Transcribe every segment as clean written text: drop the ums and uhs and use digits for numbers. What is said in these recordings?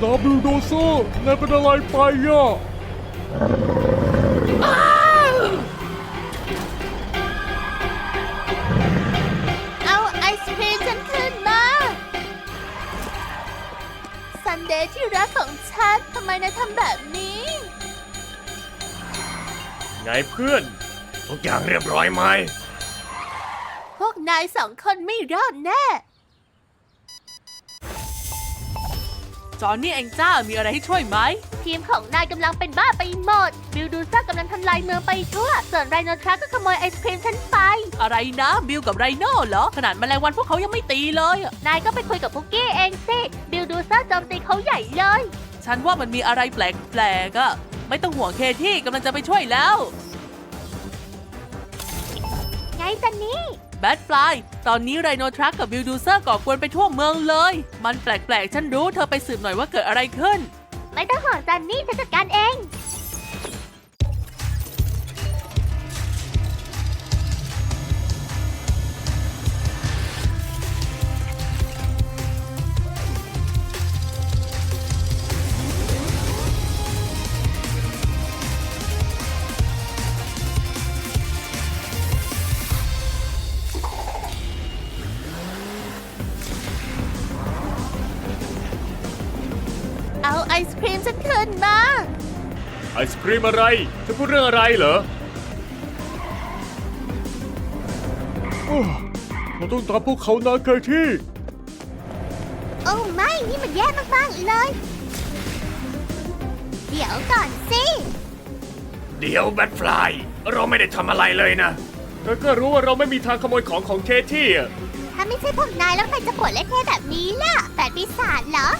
บิลโดเซอร์นายเป็นอะไรไปอ่ะเอาไอศครีมฉันขึ้นมาซันเดย์ที่รักของฉันทำไมนายทำแบบนี้ไงเพื่อนทุกอย่างเรียบร้อยไหมพวกนายสองคนไม่รอดแน่จอนนี่เองจ้ามีอะไรให้ช่วยไหมทีมของนายกำลังเป็นบ้าไปหมด บิลดูซ่ากำลังทำลายเมืองไปทั่ว ส่วนไรโนทรัคก็ขโมยไอศครีมฉันไปอะไรนะบิลกับไรโน่เหรอขนาดแมลงวันพวกเขายังไม่ตีเลยอะนายก็ไปคุยกับพุกกี้เองสิ บิลดูซ่าโจมตีเขาใหญ่เลยฉันว่ามันมีอะไรแปลกๆอะไม่ต้องห่วงเคที่กำลังจะไปช่วยแล้วไงจันนี่แบทฟลายตอนนี้ไรโนทรัคกับบิลดูเซอร์ก่อกวนไปทั่วเมืองเลย มันแปลกๆฉันรู้เธอไปสืบหน่อยว่าเกิดอะไรขึ้นไม่ต้องห่วงจันนี่ฉันจัดการเอง เอาไอศครีมฉันขึ้นมาไอศครีมอะไรจะพูดเรื่องอะไรเหรอเราต้องตามพวกเขานะเคที่โอ้ไม่ นี่มันแย่มากๆเลย เดี๋ยวก่อนสิเดี๋ยวแบทฟลายเราไม่ได้ทำอะไรเลยนะเธอก็รู้ว่าเราไม่มีทางขโมยของเคที่อ่ะถ้าไม่ใช่พวกนายแล้วใครจะปวดเละเทะแบบนี้ล่ะแปดปีศาจเหรอ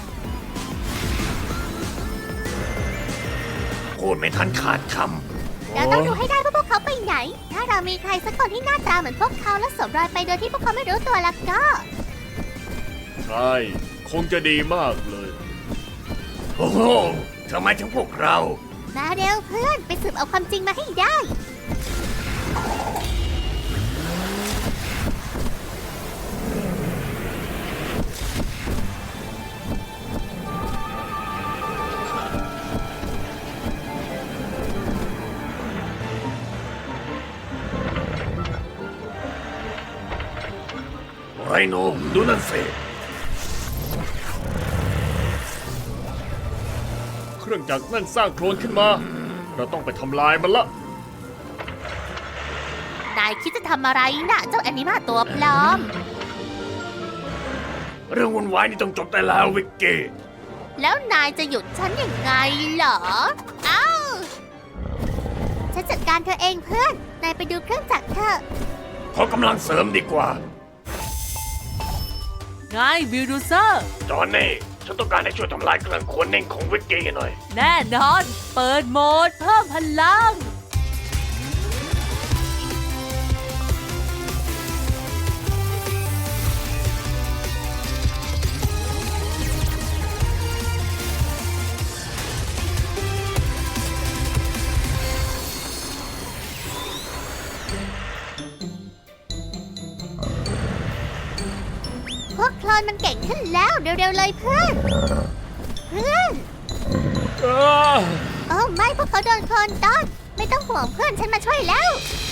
พูดไม่ทันขาดคเราต้องดูให้ได้ว่าพวกเขาไปไหน ถ้าเรามีใครสักคนที่หน้าตาเหมือนพวกเขาและสวมรอยไปโดยที่พวกเขาไม่รู้ตัวแล้วก็ำใช่คงจะดีมากเลยโอ้โหทำไมถึงพวกเรามาเร็วเพื่อนไปสืบเอาความจริงมาให้ได้ไรโนดูนั่นสิเครื่องจักรนั่นสร้างโคลนขึ้นมา เราต้องไปทำลายมันละนายคิดจะทำอะไรน่ะ เจ้าแอนิมาตัวปลอมเรื่องวุ่นวายนี่ต้องจบได้แล้ววิกกี้แล้วนายจะหยุดฉันยังไงเหรอ เอ้า ฉันจัดการเธอเองเพื่อน นายไปดูเครื่องจักรเถอะขอกำลังเสริมดีกว่าไงบิลดูเซอร์จอนนี่ฉันต้องการให้ช่วยทำลายเครื่องขนเน่งของวิกกี้หน่อยแน่นอน เปิดโหมดเพิ่มพลังพวกโคลนมันเก่งขึ้นแล้วเร็วๆเลยเพื่อน เพื่อน โอ้ไม่พวกเขาโดนโคลนต้อนไม่ต้องห่วงเพื่อนฉันมาช่วยแล้ว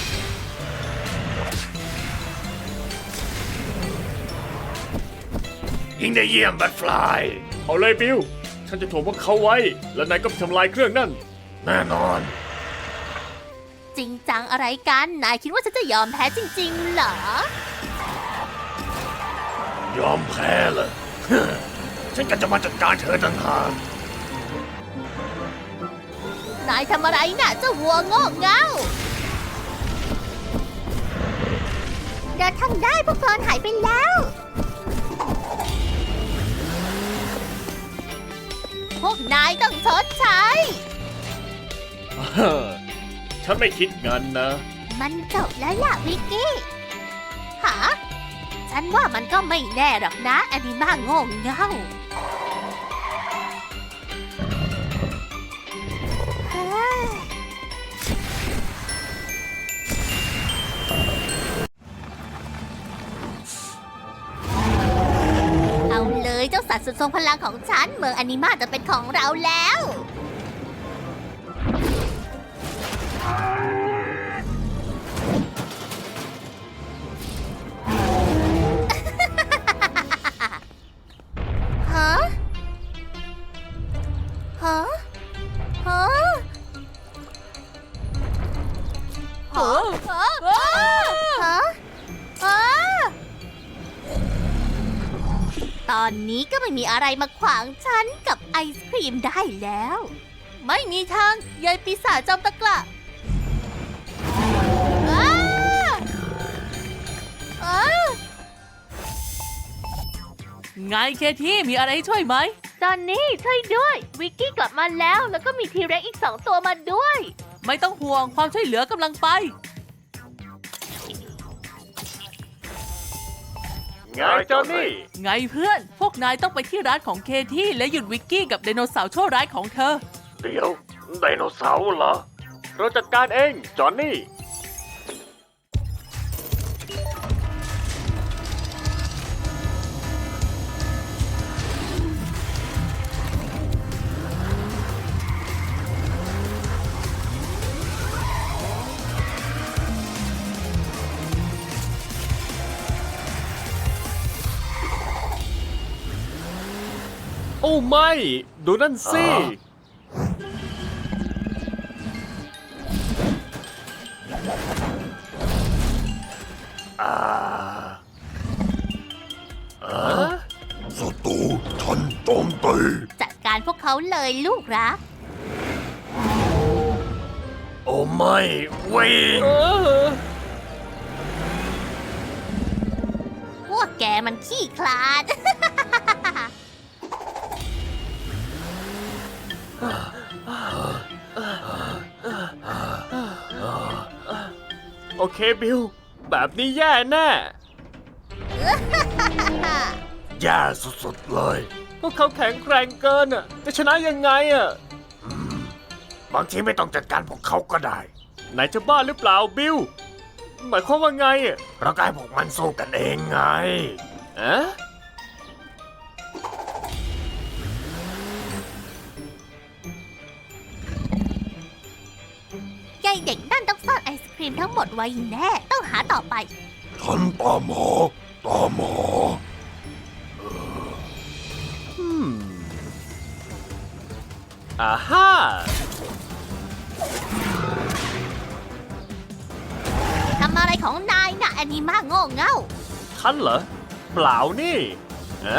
ยิงได้เยี่ยมแบทฟลายเอาเลยบิลฉันจะถ่วงพวกเขาไว้ แล้วนายก็ไปทำลายเครื่องนั่น แน่นอนจริงจังอะไรกัน นายคิดว่าฉันจะยอมแพ้จริงๆเหรอยอมแพ้เลย ฉันก็จะมาจัดการเธอต่างหากนายทำอะไรน่ะเจ้าวัวโง่เง่าเดินทางได้พวกโคลนหายไปแล้ว พวกนายต้องชดใช้ฉันไม่คิดงั้นนะมันจบแล้วล่ะวิกกี้หาฉันว่ามันก็ไม่แน่หรอกนะแอนิมาโง่เง่าเฮ้ยเอาเลยเจ้าสัตว์สุดทรงพลังของฉัน เมืองอนิมาจะเป็นของเราแล้ว ฮะ ฮะ ฮะ ฮะ ฮะ ฮะ ตอนนี้ก็ไม่มีอะไรมาขวางฉันกับไอศครีมได้แล้ว ไม่มีทางยายปีศาจจอมตะกละอ้าอ้าไงเคที่มีอะไรให้ช่วยไหมจอนนี่ช่วยด้วย วิกกี้กลับมาแล้วแล้วก็มีทีเร็กอีก2 ตัวมาด้วยไม่ต้องห่วงความช่วยเหลือกำลังไปไงจอนนี่ไงเพื่อน พวกนายต้องไปที่ร้านของเคที่และหยุดวิกกี้กับไดโนเสาร์ชั่วร้ายของเธอเดี๋ยวไดโนเสาร์เหรอ เราจัดการเองจอนนี่ โอ้ไม่ ดูนั่นสิศัตรูฉันโจมตีจัดการพวกเขาเลยลูกรักโอ้ไม่วิ่งพวกแกมันขี้คลาดโอเคบิล แบบนี้แย่แน่ แย่สุดๆเลย พวกเขาแข็งแกร่งเกินอ่ะ จะชนะยังไงอ่ะบางทีไม่ต้องจัดการพวกเขาก็ได้นายจะบ้าหรือเปล่าบิล หมายความว่าไงอ่ะเราก็ให้พวกมันสู้กันเองไงอะยายเด็กนั่นต้องซ่อนไอศครีมทั้งหมดไว้แน่ ต้องหาต่อไปฉันตามหาอ่าฮ่าทำอะไรของนายน่ะแอนิมาโง่เง่าฉันเหรอ เปล่านี่อะ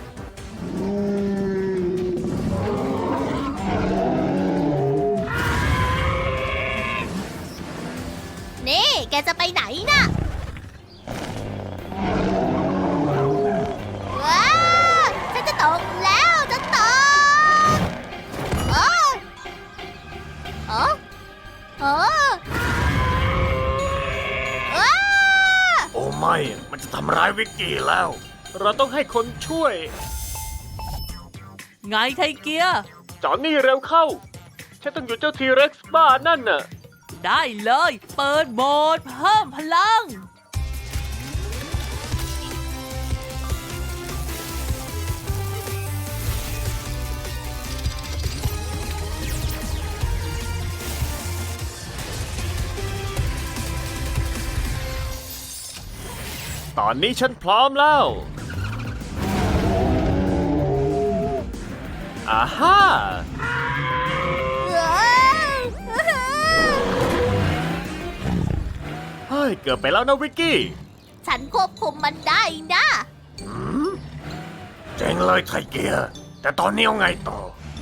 นี่แกจะไปไหนน่ะ ว้าวฉันจะตกแล้วจะตกโอ้โอ้โอ้ว้าโอ้ไม่ มันจะทำร้ายวิกกี้แล้ว เราต้องให้คนช่วยไงไทเกียร์จอนนี่เร็วเข้า ฉันต้องหยุดเจ้าทีเร็กซ์บ้านั่นน่ะได้เลย เปิดโหมดเพิ่มพลังตอนนี้ฉันพร้อมแล้วอ่าฮ่า เฮ้ย เกือบไปแล้วนะวิกกี้ฉันควบคุมมันได้นะเจ๋งเลยไทเกียร์ แต่ตอนนี้เอาไงต่อ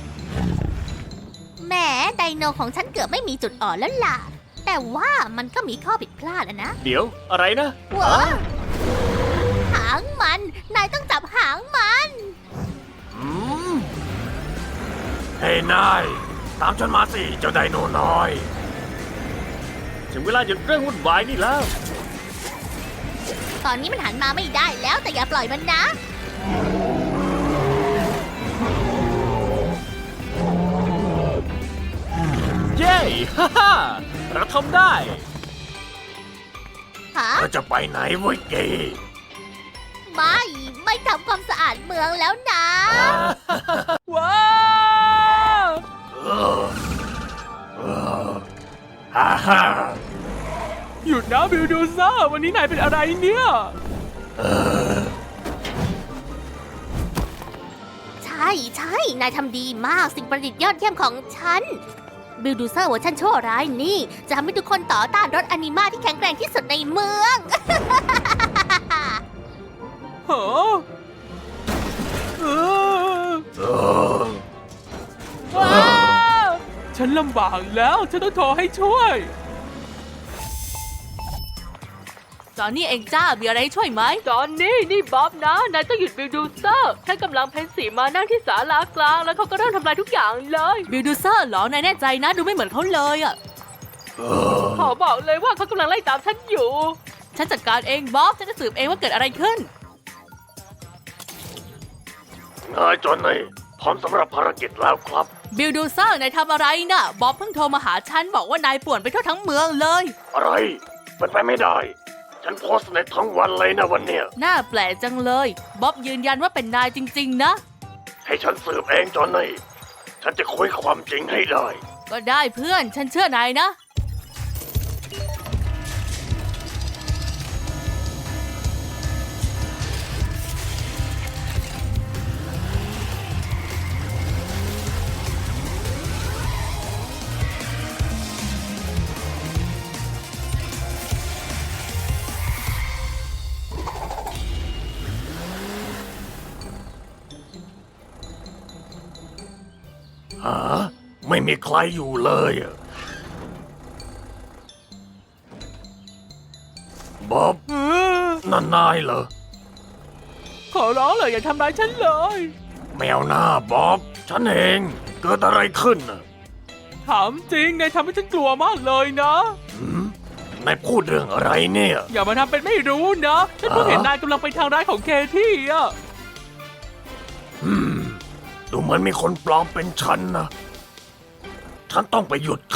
แหมไดโนของฉันเกือบไม่มีจุดอ่อนแล้วล่ะ แต่ว่ามันก็มีข้อผิดพลาดอะนะเดี๋ยวอะไรนะว้าหางมัน นายต้องจับหางมันอืมเฮ้ยนาย ตามฉันมาสิ เจ้าไดโนน้อย ถึงเวลาหยุดเรื่องวุ่นวายนี่แล้วตอนนี้มันหันมาไม่ได้แล้วแต่อย่าปล่อยมันนะเย้ ฮ่าฮ่าเราทำได้ฮะเราจะไปไหนวิกกี้ไม่ไม่ทำความสะอาดเมืองแล้วนะว้าวฮ่าฮ่าหยุดนะบิลดูเซอร์วันนี้นายเป็นอะไรเนี่ยใช่ใช่นายทำดีมากสิ่งประดิษฐ์ยอดเยี่ยมของฉัน บิลดูเซอร์เวอร์ชันชั่วร้ายนี่ จะทำให้ทุกคนต่อต้านรถอนิมาที่แข็งแกร่งที่สุดในเมืองเหรอว้าวฉันลำบากแล้วฉันต้องโทรให้ช่วยจอนนี่เองจ้ามีอะไรให้ช่วยไหมจอนนี่บ๊อบนะนายต้องหยุดบิลดูเซอร์แค่กำลังเพนสีมานั่งที่ศาลากลางแล้วเขาก็เริ่มทำลายทุกอย่างเลยบิลดูเซอร์เหรอนายแน่ใจนะดูไม่เหมือนเขาเลยอ่ะขอบอกเลยว่าเขากำลังไล่ตามฉันอยู่ฉันจัดการเองบ๊อบฉันจะสืบเองว่าเกิดอะไรขึ้นนายจอนนี่พร้อมสำหรับภารกิจแล้วครับบิลดูเซอร์นายทำอะไรน่ะบ๊อบเพิ่งโทรมาหาฉันบอกว่านายป่วนไปทั่วทั้งเมืองเลยอะไรเป็นไปไม่ได้ ฉันโพสต์ในทั้งวันเลยนะวันเนี้ยน่าแปลกจังเลยบ๊อบยืนยันว่าเป็นนายจริงๆนะให้ฉันสืบเองจอนนี่ฉันจะคุยความจริงให้ได้ก็ได้เพื่อนฉันเชื่อนายนะหาไม่มีใครอยู่เลยอะบ๊อบนั่นนายเหรอขอร้องเลยอย่าทำร้ายฉันเลยแมวหน้าบ๊อบฉันเองเกิดอะไรขึ้นน่ะถามจริงนายทำให้ฉันกลัวมากเลยนะนายพูดเรื่องอะไรเนี่ยอย่ามาทำเป็นไม่รู้นะฉันเพิ่งเห็นนายกำลังไปทางร้ายของเคที่อะดูเหมือนมีคนปลอมเป็นฉันนะ ฉันต้องไปหยุดเขา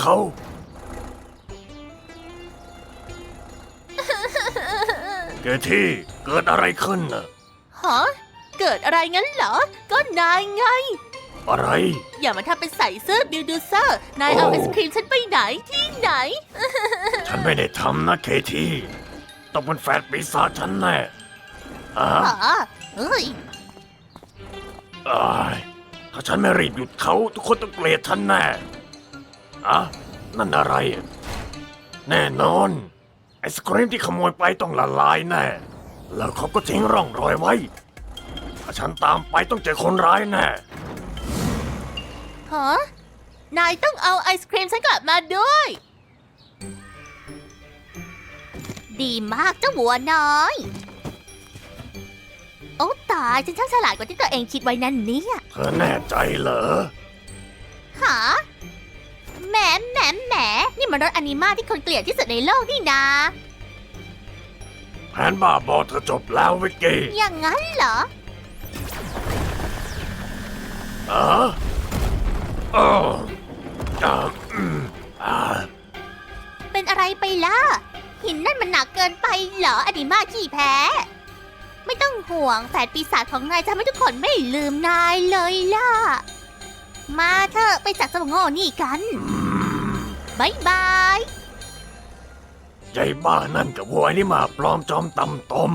เกที่เกิดอะไรขึ้นน่ะฮะ เกิดอะไรงั้นเหรอ ก็นายไงอะไรอย่ามาทำเป็นใส่เสื้อบิลดูเซอร์ นายเอาโอ้ไอศครีมฉันไปไหนที่ไหนฉันไม่ได้ทำนะเคที่ต้องเป็นแฟนปีศาจฉันแน่อะฮะเฮ้ยอ้ายถ้าฉันไม่รีบหยุดเขาทุกคนต้องเกลียดฉันแน่อะนั่นอะไร แน่นอน ไอศครีมที่ขโมยไปต้องละลายแน่ แล้วเขาก็ทิ้งร่องรอยไว้ ถ้าฉันตามไปต้องเจอคนร้ายแน่ฮะ นายต้องเอาไอศครีมฉันกลับมาด้วย ดีมากเจ้าวัวน้อย โอ้ตายฉันช่างฉลาดกว่าที่ตัวเองคิดไว้นั่นเนี่ยเธอแน่ใจเหรอหาแหมนี่มันรถอนิมาที่คนเกลียดที่สุดในโลกนี่นาแผนบ้าบอเธอจบแล้ววิกกี้อย่างนั้นเหรออ๋ออ๋ออ่าอืมอ่าเป็นอะไรไปล่ะ หินนั่นมันหนักเกินไปเหรออนิมาขี้แพ้ ไม่ต้องห่วงแฝดปีศาจของนายจะทำให้ทุกคนไม่ลืมนายเลยล่ะ มาเถอะไปจับเจ้าโง่นี่กันบายบายใหญ่บ้านั่นกับวัวนี่มาปลอมจอมตำต้ม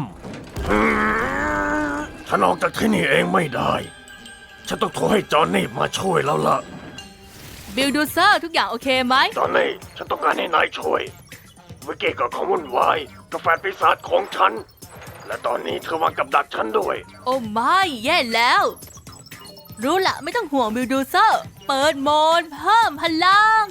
ฉันออกจากที่นี่เองไม่ได้ ฉันต้องโทรให้จอห์นนี่มาช่วยแล้วล่ะบิลดูเซอร์ทุกอย่างโอเคไหมจอห์นนี่ฉันต้องการให้นายช่วย วิกกี้ก็ของวุ่นวายกับแฟนปีศาจของฉัน และตอนนี้เธอวางกับดักฉันด้วยโอ้ไม่แย่แล้ว รู้ละไม่ต้องห่วงบิลดูเซอร์เปิดโหมดเพิ่มพลัง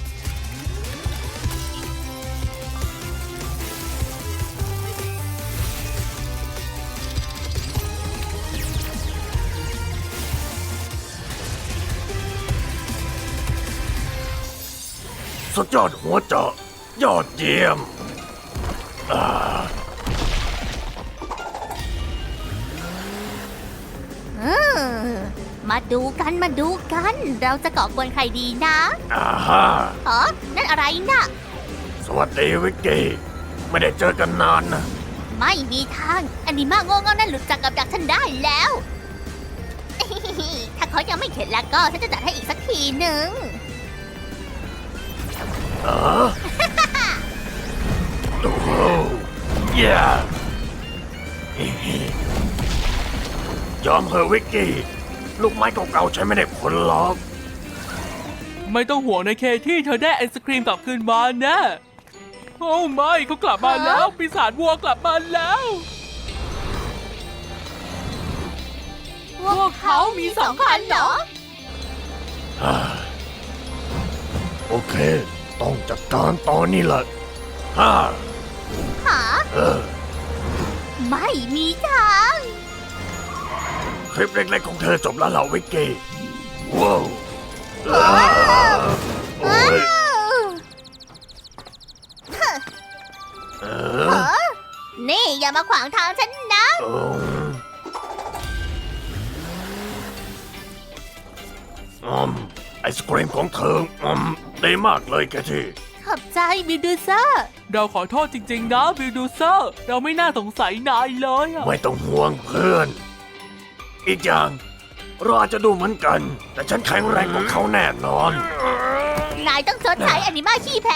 สุดยอดหัวเจาะยอดเยี่ยมอ่ามาดูกัน เราจะก่อกวนใครดีนะอ่าฮะอ๋อนั่นอะไรน่ะสวัสดีวิกกี้ ไม่ได้เจอกันนานนะบไม่มีทางอนิมาโง่เง่านั่นหลุดจากกับดักฉันได้แล้ว ถ้าเขายังไม่เข็ดแล้วก็ฉันจะจัดให้อีกสักทีหนึ่งโอ้โหเย่ยอมเหอะวิกกี้ ลูกไม้เก่าๆใช้ไม่ได้ผลหรอกไม่ต้องห่วงนะเคที่เธอได้ไอศครีมกลับคืนมาแนะโอ้ไม่เขากลับมาแล้ว ปีศาจวัวกลับมาแล้ว พวกเขามีสองคันเหรอโอเค ต้องจัดการตอนนี้แหละฮ่าหาเออไม่มีทางคลิปเล็กๆของเธอจบแล้วเหรอวิกกี้ ว้าวโอ้ยเออนี่อย่ามาขวางทางฉันนะไอศกรีมของเธอดีมากเลยแกที่ขอบใจบิลดูเซอร์เราขอโทษจริงๆนะบิลดูเซอร์ เราไม่น่าสงสัยนายเลยอะไม่ต้องห่วงเพื่อน อีกอย่างเราอาจจะดูเหมือนกัน แต่ฉันแข็งแรงกว่าเขาแน่นอนนายต้องชดใช้อนิมาขี้แพ้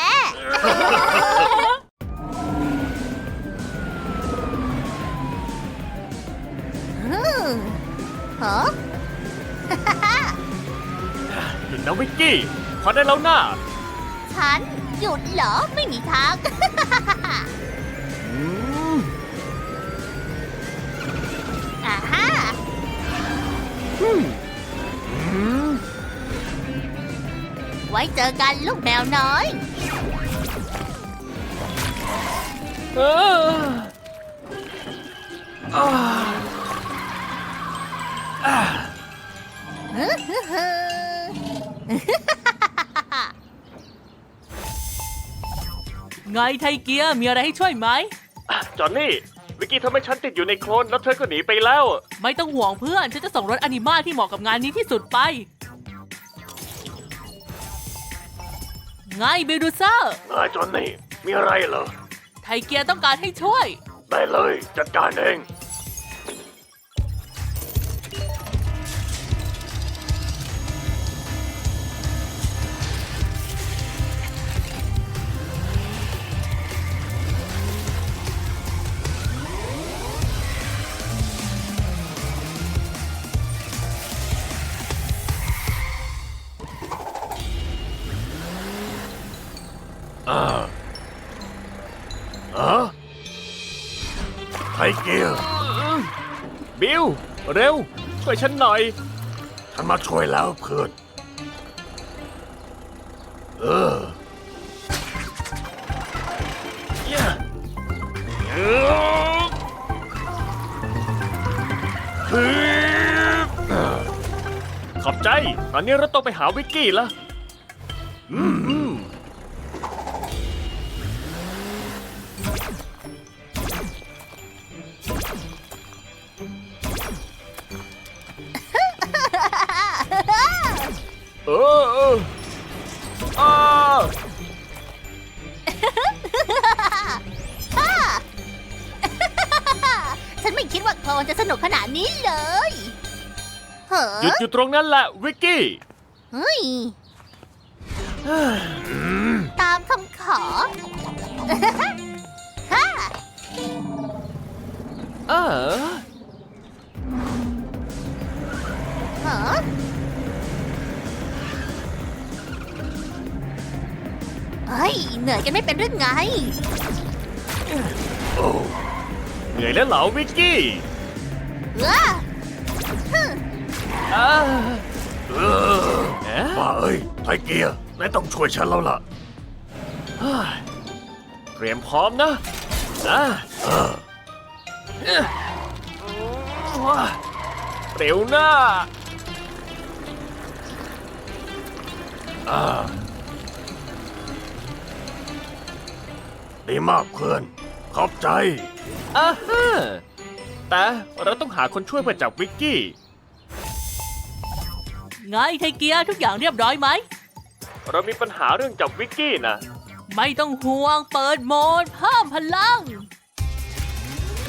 ฮะหยุดนะวิกกี้ พอได้แล้วนะฉันหยุดเหรอ ไม่มีทาง อ่าฮะไว้เจอกันลูกแมวน้อยเอออ่าอ่าไงไทเกียมีอะไรให้ช่วยไหมจอนนี่ วิกกี้ทำให้ฉันติดอยู่ในโคลนแล้วเธอก็หนีไปแล้วไม่ต้องห่วงเพื่อน ฉันจะส่งรถอนิมาที่เหมาะกับงานนี้ที่สุดไป ไงบิลดูเซอร์นายจอนนี่ มีอะไรเหรอไทเกียต้องการให้ช่วยได้เลยจัดการเอง ไทเกียร์บิล เร็ว ช่วยฉันหน่อยฉันมาช่วยแล้วเพื่อน เออเย้เออฮึบขอบใจ ตอนนี้เราต้องไปหาวิกกี้แล้ว เอออ่าฉันไม่คิดว่าโคลนจะสนุกขนาดนี้เลยเฮ้หยุดอยู่ตรงนั้นแหละวิกกี้เฮ้ย ตามคำขอ ฮ่าเออฮะเฮ้ย เหนื่อยกันไม่เป็นเรื่องไงเหนื่อยแล้วเหรอวิกกี้เอ้ออ่าเออเอ๊ะบ้าเอ้ย ไทเกียร์นายต้องช่วยฉันแล้วล่ะเตรียมพร้อมนะเร็วหน้าดีมากเพื่อน ขอบใจอ่าฮะแต่เราต้องหาคนช่วยเพื่อจับวิกกี้ไงไทเกียทุกอย่างเรียบร้อยไหมเรามีปัญหาเรื่องจับวิกกี้นะไม่ต้องห่วงเปิดโหมดเพิ่มพลัง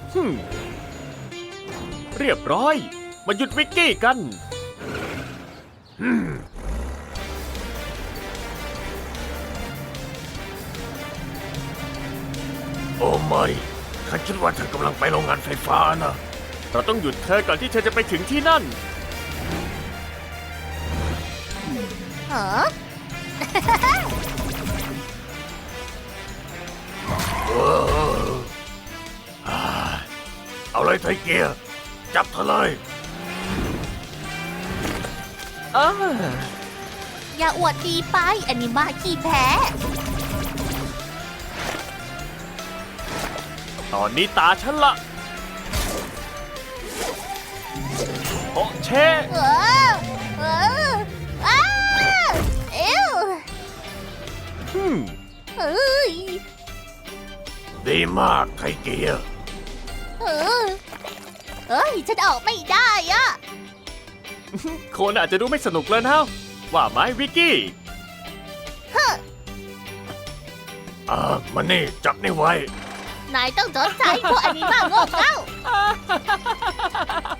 ฮึมเรียบร้อย มาหยุดวิกกี้กันโอ้ไม่ข้าคิดว่าเธอกำลังไปโรงงานไฟฟ้านะเราต้องหยุดเธอก่อนที่เธอจะไปถึงที่นั่นเหรอเอาเลยไทเกียร์จับเธอเลยอย่าอวดดีไปอนิมาขี้แพ้ตอนนี้ตาฉันละโอะเชะเออเอออ้าเอวฮึมเอ้ยดีมากไทเกียร์เออเอ้ยฉันออกไม่ได้อะคนอาจจะดูไม่สนุกแล้วนะว่าไหมวิกกี้มานี่จับนี่ไว้นายต้องจดใจพวกอนิมาโง่เง่า